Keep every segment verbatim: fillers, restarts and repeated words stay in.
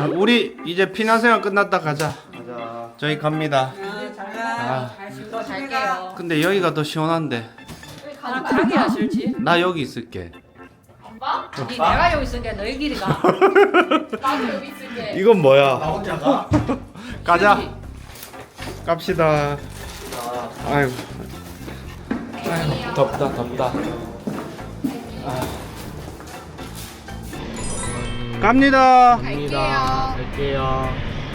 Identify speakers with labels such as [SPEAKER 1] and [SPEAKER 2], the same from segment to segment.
[SPEAKER 1] 자, 우리 이제 피난생활 끝났다 가자.
[SPEAKER 2] 가자.
[SPEAKER 1] 저희 갑니다. 아,
[SPEAKER 3] 더 잘게요.
[SPEAKER 1] 근데 여기가 더 시원한데.
[SPEAKER 3] 나 가게야 싫지?
[SPEAKER 1] 나 여기 있을게.
[SPEAKER 3] 봐? 니 내가 여기 있으니까 너희 길이 가. 나도 여기 있을게.
[SPEAKER 1] 이건 뭐야?
[SPEAKER 2] 나 혼자 가.
[SPEAKER 1] 가자. 갑시다. 아이고. 아이고, 덥다, 덥다. 아. 갑니다.
[SPEAKER 2] 갑니다. 갈게요.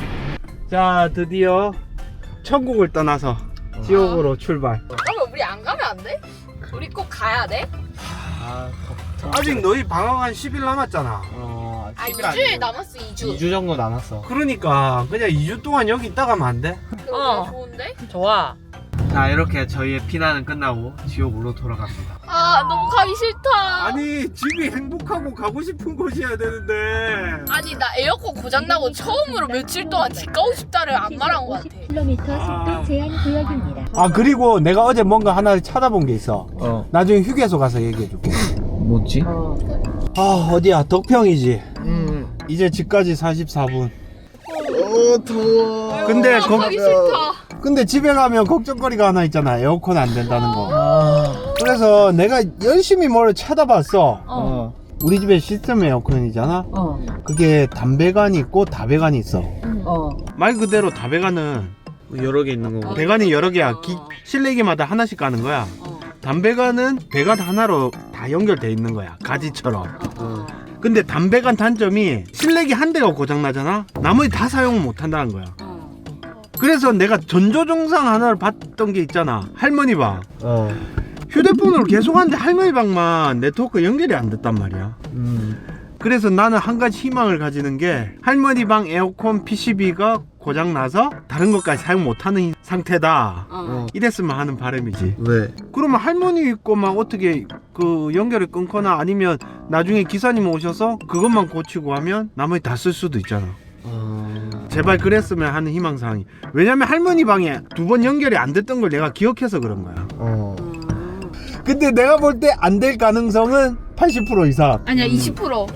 [SPEAKER 1] 자, 드디어 천국을 떠나서 지옥으로 출발.
[SPEAKER 3] 그러면 우리 안 가면 안 돼? 우리 꼭 가야 돼?
[SPEAKER 2] 아,
[SPEAKER 1] 아직 너희 방학 한 십 일 남았잖아.
[SPEAKER 2] 어,
[SPEAKER 3] 아 이 주일 남았어 이 주.
[SPEAKER 2] 이 주 정도 남았어.
[SPEAKER 1] 그러니까 그냥 이 주 동안 여기 있다 가면 안 돼?
[SPEAKER 3] 어. 좋은데?
[SPEAKER 4] 좋아.
[SPEAKER 2] 자, 이렇게 저희의 피난은 끝나고 지옥으로 돌아갑니다.
[SPEAKER 3] 아 너무 가기 싫다.
[SPEAKER 1] 아니 집이 행복하고 가고 싶은 곳이어야 되는데.
[SPEAKER 3] 아니 나 에어컨 고장나고 처음으로 며칠 동안 집 가고 싶다를 안 말한 것 같아.
[SPEAKER 5] 킬로미터 속도 제한 구역입니다.
[SPEAKER 1] 아 그리고 내가 어제 뭔가 하나 찾아본 게 있어.
[SPEAKER 2] 어.
[SPEAKER 1] 나중에 휴게소 가서 얘기해줄게.
[SPEAKER 2] 뭐지?
[SPEAKER 1] 아 어디야? 덕평이지.
[SPEAKER 2] 음.
[SPEAKER 1] 이제 집까지 사십사 분.
[SPEAKER 2] 어, 더워.
[SPEAKER 1] 근데
[SPEAKER 3] 아,
[SPEAKER 1] 거,
[SPEAKER 3] 가기 싫다.
[SPEAKER 1] 근데 집에 가면 걱정거리가 하나 있잖아. 에어컨 안 된다는 거.
[SPEAKER 2] 아.
[SPEAKER 1] 그래서 내가 열심히 뭘 찾아봤어.
[SPEAKER 2] 어.
[SPEAKER 1] 우리 집에 시스템 에어컨이잖아.
[SPEAKER 4] 어.
[SPEAKER 1] 그게 담배관이 있고 다배관이 있어.
[SPEAKER 4] 어.
[SPEAKER 1] 말 그대로 다배관은 여러 개 있는 거고, 배관이 여러 개야. 기, 실내기마다 하나씩 가는 거야.
[SPEAKER 4] 어.
[SPEAKER 1] 담배관은 배관 하나로 다 연결돼 있는 거야, 가지처럼.
[SPEAKER 2] 어.
[SPEAKER 1] 근데 담배관 단점이 실내기 한 대가 고장 나잖아. 나머지 다 사용을 못 한다는 거야.
[SPEAKER 4] 어.
[SPEAKER 1] 그래서 내가 전조증상 하나를 봤던 게 있잖아. 할머니 방.
[SPEAKER 2] 어.
[SPEAKER 1] 휴대폰으로 계속 하는데 할머니 방만 네트워크 연결이 안 됐단 말이야.
[SPEAKER 2] 음.
[SPEAKER 1] 그래서 나는 한 가지 희망을 가지는 게, 할머니 방 에어컨 피시비가 고장 나서 다른 것까지 사용 못하는 상태다.
[SPEAKER 4] 어.
[SPEAKER 1] 이랬으면 하는 바람이지.
[SPEAKER 2] 왜?
[SPEAKER 1] 그러면 할머니 있고 막 어떻게 그 연결을 끊거나 아니면 나중에 기사님 오셔서 그것만 고치고 하면 나머지 다 쓸 수도 있잖아.
[SPEAKER 2] 어.
[SPEAKER 1] 제발 그랬으면 하는 희망사항이. 왜냐면 할머니 방에 두 번 연결이 안 됐던 걸 내가 기억해서 그런 거야.
[SPEAKER 2] 어.
[SPEAKER 1] 근데 내가 볼 때 안 될 가능성은 팔십 퍼센트 이상.
[SPEAKER 3] 아니야 이십 퍼센트.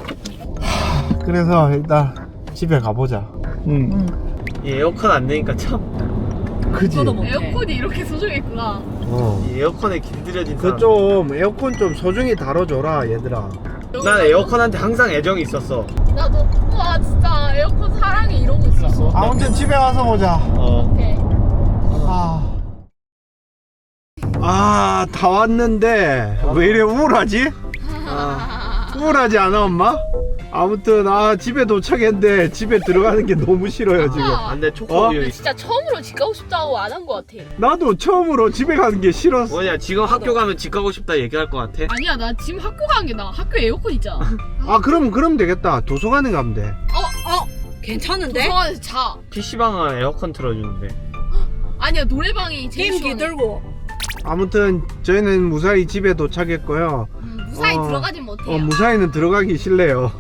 [SPEAKER 1] 그래서 일단 집에 가보자.
[SPEAKER 2] 응. 이 에어컨 안 되니까 참.
[SPEAKER 1] 그지?
[SPEAKER 4] 저도 못해.
[SPEAKER 3] 에어컨이 이렇게 소중했구나.
[SPEAKER 1] 어.
[SPEAKER 2] 이 에어컨에 길들여진
[SPEAKER 1] 그
[SPEAKER 2] 사람.
[SPEAKER 1] 좀 에어컨 좀 소중히 다뤄줘라 얘들아.
[SPEAKER 2] 난 에어컨한테 항상 애정이 있었어.
[SPEAKER 3] 나도 와 진짜 에어컨 사랑해 이러고 있었어.
[SPEAKER 1] 아무튼 집에 와서 보자.
[SPEAKER 2] 어.
[SPEAKER 3] 오케이.
[SPEAKER 1] 아, 아, 다 왔는데 왜 이래 우울하지? 아, 우울하지 않아 엄마? 아무튼 아 집에 도착했는데 집에 들어가는 게 너무 싫어요 지금.
[SPEAKER 2] 안 돼,
[SPEAKER 1] 어?
[SPEAKER 2] 초코우유.
[SPEAKER 3] 진짜 처음으로 집 가고 싶다고 안 한 것 같아.
[SPEAKER 1] 나도 처음으로 집에 가는 게 싫었어.
[SPEAKER 2] 뭐냐, 지금 학교 가면 집 가고 싶다 얘기할 것 같아?
[SPEAKER 3] 아니야 나 지금 학교 가는 게 나아. 학교 에어컨 있잖아.
[SPEAKER 1] 아 그럼 그럼 되겠다. 도서관에 가면 돼.
[SPEAKER 4] 어, 어. 괜찮은데?
[SPEAKER 3] 도서관에서 자.
[SPEAKER 2] 피시방은 에어컨 틀어주는데.
[SPEAKER 3] 아니야 노래방이 제일
[SPEAKER 4] 게임기
[SPEAKER 3] 시원해.
[SPEAKER 4] 들고.
[SPEAKER 1] 아무튼 저희는 무사히 집에 도착했고요.
[SPEAKER 3] 음, 무사히
[SPEAKER 1] 어,
[SPEAKER 3] 들어가진 못해요.
[SPEAKER 1] 어, 무사히는 들어가기 싫네요.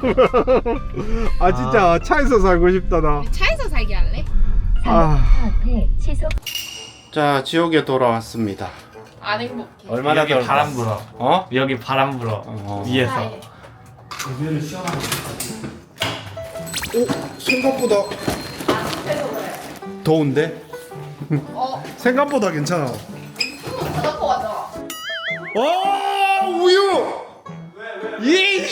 [SPEAKER 1] 아 진짜 차에서 살고 싶다 나.
[SPEAKER 3] 차에서 살게 할래?
[SPEAKER 1] 아.
[SPEAKER 5] 앞에 시속
[SPEAKER 1] 자 지옥에 돌아왔습니다.
[SPEAKER 3] 안 행복해.
[SPEAKER 1] 얼마나
[SPEAKER 2] 여기
[SPEAKER 1] 더울까?
[SPEAKER 2] 바람 불어.
[SPEAKER 1] 어?
[SPEAKER 2] 여기 바람 불어.
[SPEAKER 1] 어.
[SPEAKER 2] 위에서.
[SPEAKER 3] 사해.
[SPEAKER 1] 오 생각보다 더운데?
[SPEAKER 3] 어,
[SPEAKER 1] 생각보다 괜찮아.
[SPEAKER 3] 갖고 가자.
[SPEAKER 1] 어 우유. 예.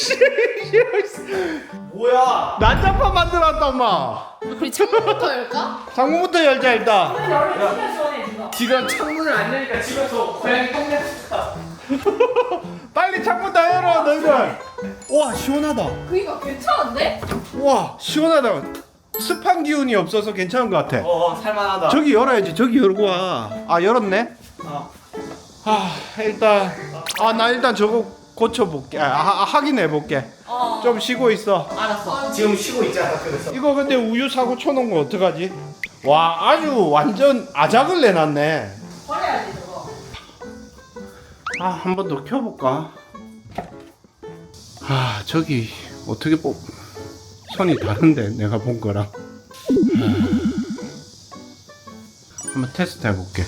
[SPEAKER 2] 뭐야?
[SPEAKER 1] 난장판 만들었다 엄마.
[SPEAKER 3] 우리 창문부터 열까?
[SPEAKER 1] 창문부터 열자 일단.
[SPEAKER 2] 지금 창문을 안 여니까 집에서 고양이 똥냄새.
[SPEAKER 1] 빨리 창문 다 열어 너희들. 와 시원하다.
[SPEAKER 3] 그니까 괜찮은데?
[SPEAKER 1] 와 시원하다. 습한 기운이 없어서 괜찮은 것 같아.
[SPEAKER 2] 어, 살만하다.
[SPEAKER 1] 저기 열어야지. 저기 열고 와. 아 열었네.
[SPEAKER 2] 어.
[SPEAKER 1] 아 일단 아 나 일단 저거 고쳐볼게. 아, 하, 확인해볼게.
[SPEAKER 4] 어.
[SPEAKER 1] 좀 쉬고 있어.
[SPEAKER 4] 알았어.
[SPEAKER 2] 지금 쉬고 있잖아, 그래서.
[SPEAKER 1] 이거 근데 우유 사고 쳐놓은 거 어떡하지? 와 아주 완전 아작을 내놨네.
[SPEAKER 4] 버려야지 저거.
[SPEAKER 1] 아 한 번 더 켜볼까? 아 저기 어떻게 뽑 선이 다른데 내가 본 거랑. 아, 한번 테스트 해볼게.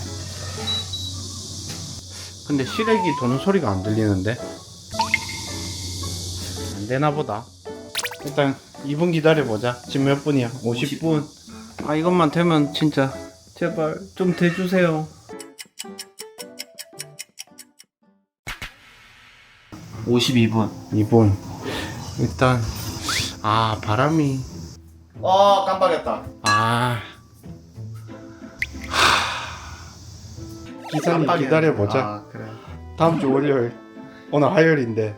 [SPEAKER 1] 근데 시래기 도는 소리가 안 들리는데 안 되나 보다. 일단 이 분 기다려보자. 지금 몇 분이야? 오십 분. 아 이것만 되면 진짜 제발 좀 대주세요.
[SPEAKER 2] 오십이 분.
[SPEAKER 1] 이 분. 일단 아 바람이
[SPEAKER 2] 어 깜빡했다.
[SPEAKER 1] 아 기사님 기다려보자.
[SPEAKER 2] 아 그래.
[SPEAKER 1] 다음 주 월요일. 오늘 화요일인데.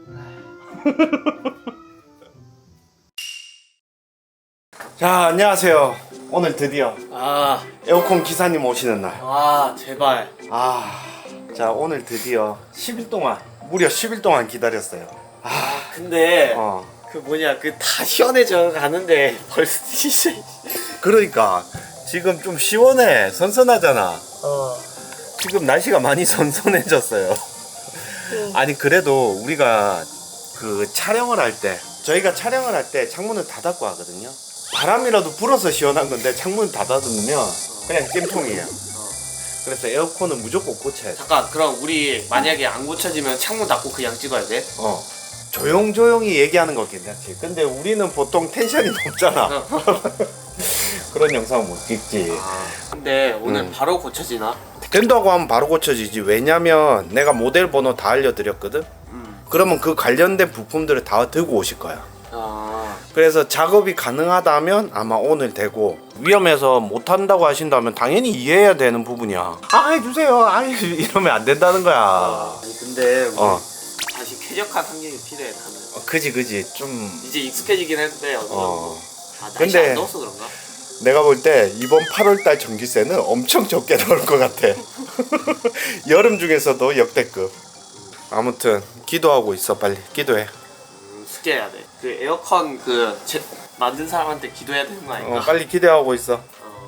[SPEAKER 1] 자 안녕하세요. 오늘 드디어
[SPEAKER 2] 아,
[SPEAKER 1] 에어컨 기사님 오시는 날.
[SPEAKER 2] 아 제발.
[SPEAKER 1] 아, 자 오늘 드디어 십 일 동안 무려 십 일 동안 기다렸어요.
[SPEAKER 2] 아 근데
[SPEAKER 1] 어.
[SPEAKER 2] 그 뭐냐 그 다 시원해져 가는데 벌써 진짜.
[SPEAKER 1] 그러니까 지금 좀 시원해, 선선하잖아.
[SPEAKER 2] 어.
[SPEAKER 1] 지금 날씨가 많이 선선해졌어요. 아니 그래도 우리가 그 촬영을 할 때 저희가 촬영을 할 때 창문을 다 닫고 하거든요. 바람이라도 불어서 시원한 건데 창문 닫아두면 그냥 찜통이에요. 그래서 에어컨은 무조건 고쳐야 돼.
[SPEAKER 2] 잠깐 그럼 우리 만약에 안 고쳐지면 창문 닫고 그냥 찍어야 돼?
[SPEAKER 1] 어. 조용조용히 얘기하는 거 괜찮지. 근데 우리는 보통 텐션이 높잖아. 그런 영상 못 찍지.
[SPEAKER 2] 아, 근데 오늘
[SPEAKER 1] 음.
[SPEAKER 2] 바로 고쳐지나?
[SPEAKER 1] 된다고 하면 바로 고쳐지지. 왜냐면 내가 모델 번호 다 알려드렸거든.
[SPEAKER 2] 음.
[SPEAKER 1] 그러면 그 관련된 부품들을 다 들고 오실 거야.
[SPEAKER 2] 아,
[SPEAKER 1] 그래서 작업이 가능하다면 아마 오늘 되고, 위험해서 못한다고 하신다면 당연히 이해해야 되는 부분이야. 아 해주세요. 아 이러면 안 된다는 거야.
[SPEAKER 2] 아니 근데 우리
[SPEAKER 1] 어.
[SPEAKER 2] 다시 쾌적한 환경이 필요해 나는.
[SPEAKER 1] 어, 그지 그지 좀.
[SPEAKER 2] 이제 익숙해지긴 했는데 어느 정도.
[SPEAKER 1] 어.
[SPEAKER 2] 아, 날씨
[SPEAKER 1] 근데-
[SPEAKER 2] 안 더워서 그런가?
[SPEAKER 1] 내가 볼 때 이번 팔월달 전기세는 엄청 적게 나올 것 같아. 여름 중에서도 역대급. 아무튼 기도하고 있어. 빨리 기도해.
[SPEAKER 2] 음, 숙제해야 돼. 그 에어컨 그 제, 만든 사람한테 기도해야 되는 거 아닌가?
[SPEAKER 1] 어, 빨리 기대하고 있어.
[SPEAKER 2] 어.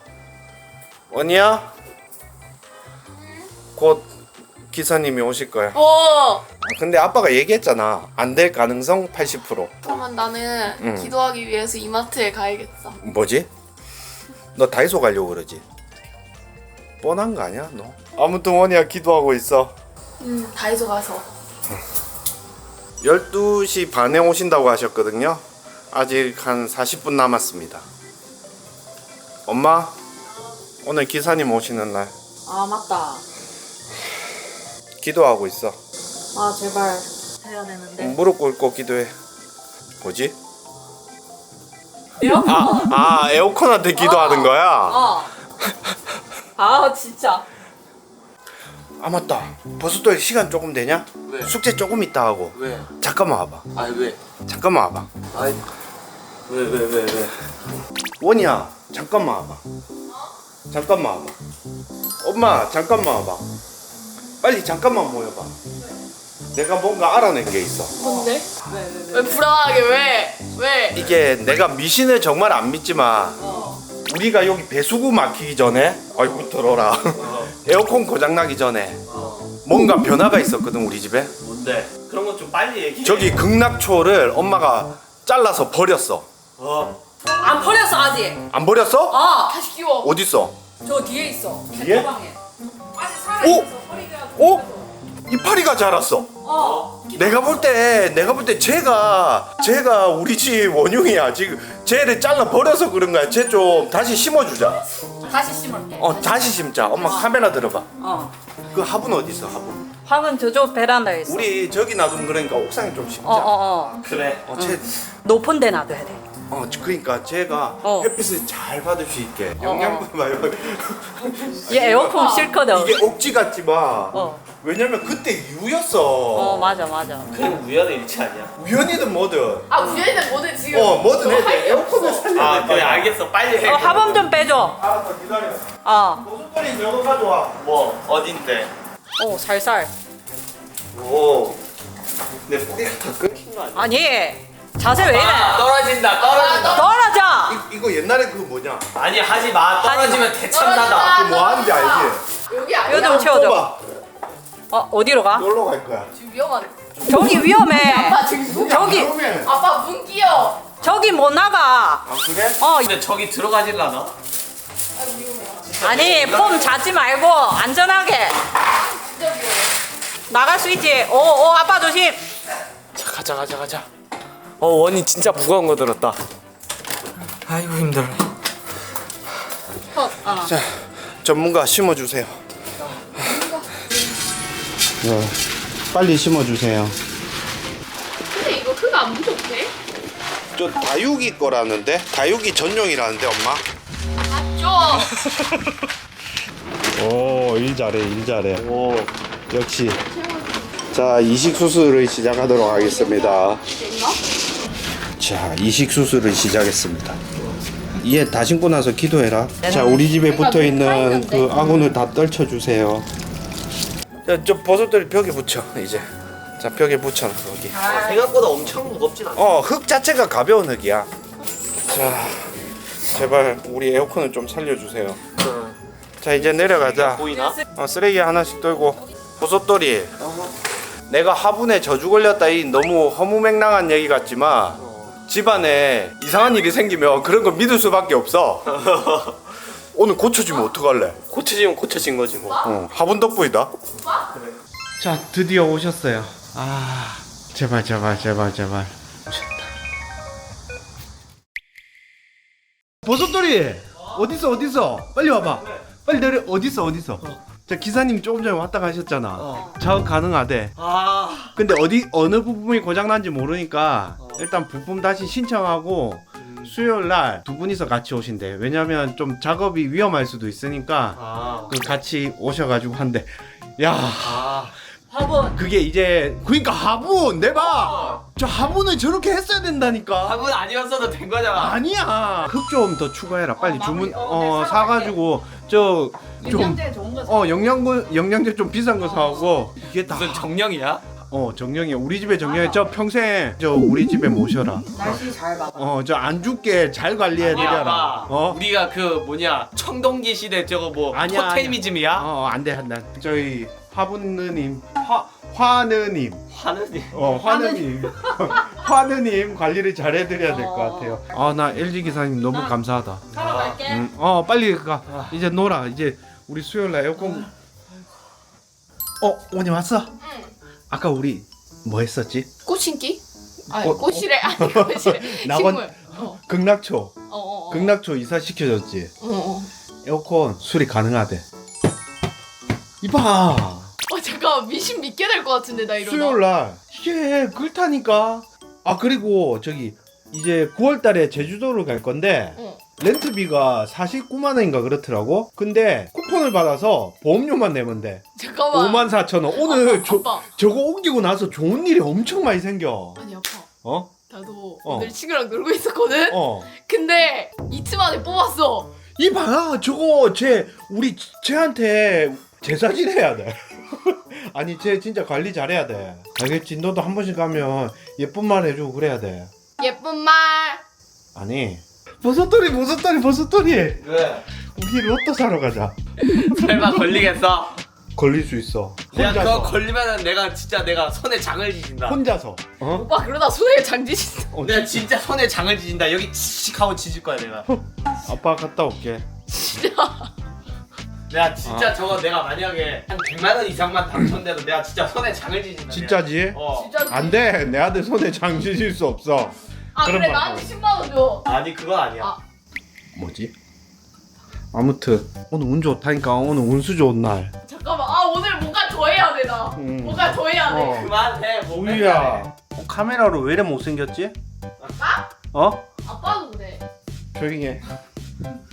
[SPEAKER 1] 원이야? 곧 기사님이 오실 거야.
[SPEAKER 3] 어.
[SPEAKER 1] 근데 아빠가 얘기했잖아. 안 될 가능성 팔십 퍼센트.
[SPEAKER 3] 그러면 나는
[SPEAKER 1] 응.
[SPEAKER 3] 기도하기 위해서 이마트에 가야겠어.
[SPEAKER 1] 뭐지? 너 다이소 가려고 그러지? 뻔한 거 아니야 너? 아무튼 원이야 기도하고 있어.
[SPEAKER 3] 음, 다이소 가서.
[SPEAKER 1] 열두 시 반에 오신다고 하셨거든요. 아직 한 사십 분 남았습니다. 엄마, 오늘 기사님 오시는 날
[SPEAKER 4] 아 맞다.
[SPEAKER 1] 기도하고 있어.
[SPEAKER 4] 아 제발 해야 되는데.
[SPEAKER 1] 무릎 꿇고 기도해. 뭐지?
[SPEAKER 4] 에어컨.
[SPEAKER 1] 아, 아 에어컨한테 기도하는 거야?
[SPEAKER 4] 어. 아 진짜.
[SPEAKER 1] 아 맞다. 벌써 또 시간 조금 되냐?
[SPEAKER 2] 왜?
[SPEAKER 1] 숙제 조금 있다 하고.
[SPEAKER 2] 왜?
[SPEAKER 1] 잠깐만 와봐.
[SPEAKER 2] 아니 왜?
[SPEAKER 1] 잠깐만 와봐.
[SPEAKER 2] 아니 왜 왜 왜 왜?
[SPEAKER 1] 원이야 잠깐만 와봐. 잠깐만 와봐. 엄마 잠깐만 와봐. 빨리 잠깐만 모여봐. 내가 뭔가 알아낸 게 있어.
[SPEAKER 3] 뭔데? 왜 불안하게 왜? 왜?
[SPEAKER 1] 이게 내가 미신을 정말 안 믿지만 우리가 여기 배수구 막히기 전에, 아이고 들어라. 에어컨 고장 나기 전에 뭔가 변화가 있었거든 우리 집에.
[SPEAKER 2] 뭔데? 그런 거 좀 빨리 얘기해.
[SPEAKER 1] 저기 극락초를 엄마가 잘라서 버렸어.
[SPEAKER 2] 어.
[SPEAKER 4] 안 버렸어 아직.
[SPEAKER 1] 안 버렸어?
[SPEAKER 4] 어.
[SPEAKER 3] 다시 키워.
[SPEAKER 1] 어디 있어?
[SPEAKER 4] 저 뒤에 있어.
[SPEAKER 1] 뒤에?
[SPEAKER 4] 책가방에. 아직 살아
[SPEAKER 1] 오!
[SPEAKER 4] 있어. 허리가.
[SPEAKER 1] 어? 이파리가 자랐어.
[SPEAKER 4] 어.
[SPEAKER 1] 내가 볼 때 내가 볼 때 쟤가 쟤가 우리 집 원흉이야. 지금 쟤를 잘라 버려서 그런 거야. 쟤 좀 다시 심어주자.
[SPEAKER 4] 다시 심을게.
[SPEAKER 1] 어 다시 심자. 엄마 카메라 들어봐.
[SPEAKER 4] 어.
[SPEAKER 1] 그 화분 어디 있어? 화분.
[SPEAKER 4] 화분 저쪽 베란다에 있어.
[SPEAKER 1] 우리 저기 놔두면 그러니까 옥상에 좀 심자.
[SPEAKER 4] 어 어 어.
[SPEAKER 2] 그래.
[SPEAKER 1] 어, 쟤,
[SPEAKER 4] 높은 데 놔둬야 돼.
[SPEAKER 1] 어, 그러니까 쟤가
[SPEAKER 4] 어.
[SPEAKER 1] 햇빛을 잘 받을 수 있게 영양분 말고.
[SPEAKER 4] 얘 에어컨 싫거든.
[SPEAKER 1] 이게 억지 같지만
[SPEAKER 4] 어.
[SPEAKER 1] 왜냐면 그때 이유였어.
[SPEAKER 4] 어 맞아 맞아.
[SPEAKER 2] 그냥 우연의 일치 아니야?
[SPEAKER 1] 우연이든 뭐든.
[SPEAKER 3] 아, 우연이는 뭐든 지금.
[SPEAKER 1] 어 뭐든
[SPEAKER 3] 너
[SPEAKER 1] 해야
[SPEAKER 3] 할
[SPEAKER 1] 돼.
[SPEAKER 3] 게
[SPEAKER 1] 에어컨을
[SPEAKER 3] 없어.
[SPEAKER 1] 살려야
[SPEAKER 2] 아
[SPEAKER 1] 돼.
[SPEAKER 2] 그래 알겠어 빨리 해.
[SPEAKER 4] 어 화분 좀 빼줘.
[SPEAKER 1] 알았어 기다려.
[SPEAKER 4] 어.
[SPEAKER 1] 고속버리 저거 가져와.
[SPEAKER 2] 뭐 어딘데?
[SPEAKER 4] 오 살살.
[SPEAKER 1] 오. 내 뿌리가 다 끊긴 거 아니야?
[SPEAKER 4] 아니 자세 왜 이래?
[SPEAKER 2] 아, 떨어진다 떨어진다.
[SPEAKER 4] 떨어져.
[SPEAKER 1] 이, 이거 옛날에 그 뭐냐?
[SPEAKER 2] 아니 하지 마. 떨어지면 대참나다.
[SPEAKER 1] 그 뭐 하는지 알지?
[SPEAKER 3] 여기 아니야.
[SPEAKER 4] 이거 좀 채워줘.
[SPEAKER 1] 봐.
[SPEAKER 4] 어 어디로 가?
[SPEAKER 1] 놀러 갈 거야.
[SPEAKER 3] 지금 위험하네.
[SPEAKER 4] 저기 위험해.
[SPEAKER 3] 아빠 지금 문.
[SPEAKER 4] 저기
[SPEAKER 1] 그러면.
[SPEAKER 3] 아빠 문 끼어.
[SPEAKER 4] 저기 못 나가.
[SPEAKER 1] 아 그래?
[SPEAKER 4] 어
[SPEAKER 2] 근데 저기 들어가질라나?
[SPEAKER 3] 아, 위험해.
[SPEAKER 4] 아니 폼 잡지 말고 안전하게
[SPEAKER 3] 진짜 위험해.
[SPEAKER 4] 나갈 수 있지. 오오 아빠 조심.
[SPEAKER 1] 자 가자 가자 가자.
[SPEAKER 2] 어 원이 진짜 무거운 거 들었다. 아이고 힘들어.
[SPEAKER 3] 어, 아.
[SPEAKER 1] 자, 전문가 심어주세요. 네, 빨리 심어주세요.
[SPEAKER 3] 근데 이거 흙 안 부족해?
[SPEAKER 1] 저 다육이 거라는데? 다육이 전용이라는데 엄마?
[SPEAKER 3] 맞죠?
[SPEAKER 1] 오, 일 잘해, 일 잘해. 오, 역시. 자, 이식 수술을 시작하도록 하겠습니다. 자, 이식 수술을 시작했습니다. 얘 다 신고 나서 기도해라. 자, 우리 집에 붙어 있는 그 아군을 다 떨쳐주세요. 자, 저 버섯들 벽에 붙여 이제. 자, 벽에 붙여 여기.
[SPEAKER 2] 생각보다 엄청 무겁진 않아.
[SPEAKER 1] 어, 흙 자체가 가벼운 흙이야. 자, 제발 우리 에어컨을 좀 살려주세요. 자, 이제 내려가자.
[SPEAKER 2] 보이나?
[SPEAKER 1] 어, 쓰레기 하나씩 떨고. 버섯돌이. 내가 화분에 저주 걸렸다 이 너무 허무맹랑한 얘기 같지만 집안에 이상한 일이 생기면 그런 거 믿을 수밖에 없어. 오늘 고쳐지면 어떡할래?
[SPEAKER 2] 고쳐지면 고쳐진 거지 뭐.
[SPEAKER 1] 어, 화분 덕분이다. 자, 드디어 오셨어요. 아, 제발 제발 제발 제발. 버섯돌이 어딨어 어딨어? 빨리 와봐. 빨리 내려. 어딨어 어딨어? 자, 기사님 조금 전에 왔다 가셨잖아.
[SPEAKER 2] 어.
[SPEAKER 1] 작업 가능하대.
[SPEAKER 2] 아
[SPEAKER 1] 근데 어디 어느 부품이 고장난지 모르니까 일단 부품 다시 신청하고 수요일 날 두 분이서 같이 오신대. 왜냐면 좀 작업이 위험할 수도 있으니까
[SPEAKER 2] 아.
[SPEAKER 1] 그 같이 오셔가지고 한대. 야,
[SPEAKER 2] 아.
[SPEAKER 4] 화분.
[SPEAKER 1] 그게 이제 그러니까 화분 내봐. 저 화분을 저렇게 했어야 된다니까.
[SPEAKER 2] 화분 아니었어도 된 거잖아.
[SPEAKER 1] 아니야. 흙 좀 더 추가해라. 빨리
[SPEAKER 4] 어,
[SPEAKER 1] 주문
[SPEAKER 4] 마무리. 어,
[SPEAKER 1] 어
[SPEAKER 4] 네,
[SPEAKER 1] 사가지고 저 좀
[SPEAKER 4] 영양제 좋은 거.
[SPEAKER 1] 어 영양분 영양제 좀 비싼 거 사오고 이게 다
[SPEAKER 2] 무슨 정령이야?
[SPEAKER 1] 어 정령이야. 우리 집에 정령이 저 평생 저 우리 집에 모셔라.
[SPEAKER 4] 날씨 잘 봐.
[SPEAKER 1] 어 저 안 죽게 잘 관리해 드려라. 어?
[SPEAKER 2] 우리가 그 뭐냐 청동기 시대 저거 뭐
[SPEAKER 1] 아니야,
[SPEAKER 2] 토테미즘이야?
[SPEAKER 1] 어 안돼 안돼. 저희 화분느님 화 화느님
[SPEAKER 2] 하느님.
[SPEAKER 1] 어 화느님 화느님 관리를 잘 해드려야 될 것 같아요. 아 나 엘지 기사님 너무 감사하다.
[SPEAKER 4] 사러 갈게.
[SPEAKER 1] 음, 어 빨리 가. 이제 놀아. 이제 우리 수요일 날 에어컨. 어 오니 왔어?
[SPEAKER 3] 응.
[SPEAKER 1] 아까 우리 뭐 했었지?
[SPEAKER 3] 꽃 신기? 아니
[SPEAKER 1] 어,
[SPEAKER 3] 꽃이래. 아니 꽃이래.
[SPEAKER 1] 낙원-
[SPEAKER 3] 식물. 어.
[SPEAKER 1] 극락초.
[SPEAKER 3] 어, 어, 어.
[SPEAKER 1] 극락초 이사 시켜줬지.
[SPEAKER 3] 어, 어.
[SPEAKER 1] 에어컨 수리 가능하대. 이봐.
[SPEAKER 3] 어 잠깐 미신 믿게 될 것 같은데 나 이러다.
[SPEAKER 1] 수요일 날 이게 그렇다니까. 아 그리고 저기 이제 구월달에 제주도를 갈 건데
[SPEAKER 3] 어.
[SPEAKER 1] 렌트비가 사십구만 원인가 그렇더라고. 근데 쿠폰을 받아서 보험료만 내면 돼.
[SPEAKER 3] 잠깐만.
[SPEAKER 1] 오만 사천 원. 오늘
[SPEAKER 3] 아빠,
[SPEAKER 1] 저,
[SPEAKER 3] 아빠.
[SPEAKER 1] 저거 옮기고 나서 좋은 일이 엄청 많이 생겨.
[SPEAKER 3] 아니 아빠.
[SPEAKER 1] 어?
[SPEAKER 3] 나도
[SPEAKER 1] 어.
[SPEAKER 3] 오늘 친구랑 놀고 있었거든.
[SPEAKER 1] 어.
[SPEAKER 3] 근데 이틀 만에 뽑았어.
[SPEAKER 1] 이봐 저거 쟤 우리 쟤한테 제사질 해야 돼. 아니 쟤 진짜 관리 잘해야 돼. 알겠지? 너도 한 번씩 가면 예쁜 말 해주고 그래야 돼.
[SPEAKER 3] 예쁜 말.
[SPEAKER 1] 아니 버섯돌이 버섯돌이 버섯돌이
[SPEAKER 2] 왜?
[SPEAKER 1] 우리 로또 사러 가자.
[SPEAKER 2] 설마 걸리겠어?
[SPEAKER 1] 걸릴 수 있어.
[SPEAKER 2] 내가 그거
[SPEAKER 1] 혼자서.
[SPEAKER 2] 걸리면은 내가 진짜 내가 손에 장을 지진다.
[SPEAKER 1] 혼자서. 어?
[SPEAKER 3] 오빠 그러다 손에 장지신.
[SPEAKER 1] 어,
[SPEAKER 2] 내가 진짜 손에 장을 지진다. 여기 칙 하고 지질 거야 내가.
[SPEAKER 1] 아빠 갔다 올게.
[SPEAKER 2] 내가 진짜 저거 내가 만약에 한 백만 원 이상만 당첨돼도 내가 진짜 손에 장을 지진다.
[SPEAKER 1] 진짜지?
[SPEAKER 2] 내가. 어.
[SPEAKER 3] 진짜.
[SPEAKER 1] 안 돼. 내 아들 손에 장 지질 수 없어.
[SPEAKER 3] 아
[SPEAKER 1] 그런
[SPEAKER 3] 그래
[SPEAKER 1] 말.
[SPEAKER 3] 나한테 십만 원 줘.
[SPEAKER 2] 아니 그건 아니야.
[SPEAKER 3] 아.
[SPEAKER 1] 뭐지? 아무튼 오늘 운 좋다니까. 오늘 운수 좋은 날.
[SPEAKER 3] 잠깐만. 아 오늘 뭔가 더 해야 돼 나.
[SPEAKER 1] 음.
[SPEAKER 3] 뭔가 더 해야 돼.
[SPEAKER 1] 어.
[SPEAKER 2] 그만해. 뭐
[SPEAKER 1] 우유야. 어, 카메라로 왜 이래 못생겼지?
[SPEAKER 3] 아?
[SPEAKER 1] 어?
[SPEAKER 3] 아빠도 그래.
[SPEAKER 1] 조용히 해.